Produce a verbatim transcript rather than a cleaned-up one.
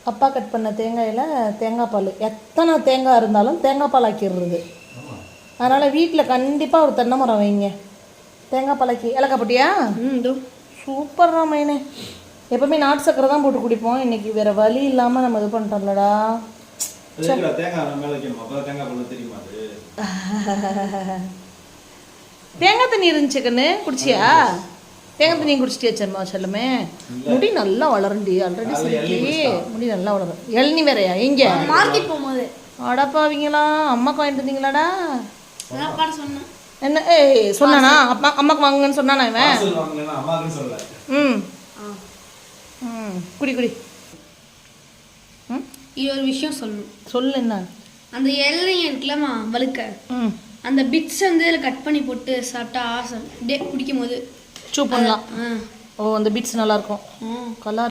அப்பா கட் பண்ண தேங்காயில் தேங்காய் பால் எத்தனை தேங்காய் இருந்தாலும் தேங்காய் பால் ஆக்கிடுறது. அதனால் வீட்டில் கண்டிப்பாக ஒரு தென்னை மரம் வைங்க. தேங்காய் பாலாக்கி ஏலக்காய் போட்டியா? ம் இதோ சூப்பர்ரா மைனே. எப்பவுமே நாட்டு சக்கரை தான் போட்டு குடிப்போம். இன்னைக்கு வேற வழி இல்லாமல் நம்ம இது பண்ணிட்டோம்லடா. தேங்காய் தண்ணி இருந்துச்சு கண்ணு, குடிச்சியா? தேங்காய் தண்ணி குடிச்சிட்டியா சர்மா செல்லமே? முடி நல்லா வளருண்டி, ஆல்ரெடி சிரிக்கி முடி நல்லா வளரும். இளநீ வேறையா? எங்க மார்க்கெட் போகும்போது அடப்பாவீங்களா? அம்மாக்கு வாங்கிட்டு வந்தீங்களாடா? சொன்னேன். என்ன ஏய் சொன்னானா? அப்பா அம்மாக்கு வாங்குங்கன்னு சொன்னானா இவன்? ம் ம் குடி குடி. ம் இது ஒரு விஷயம் சொல்லணும். சொல்லு. என்ன? அந்த இளநீ இருக்குல்லம்மா வழுக்க, ம் அந்த பிட்ஸ் வந்து இதில் கட் பண்ணி போட்டு சாப்பிட்டா ஆசை. டே குடிக்கும் போது சூ பண்ணலாம். ஆ ஓ அந்த பீட்ஸ் நல்லாயிருக்கும். கலர்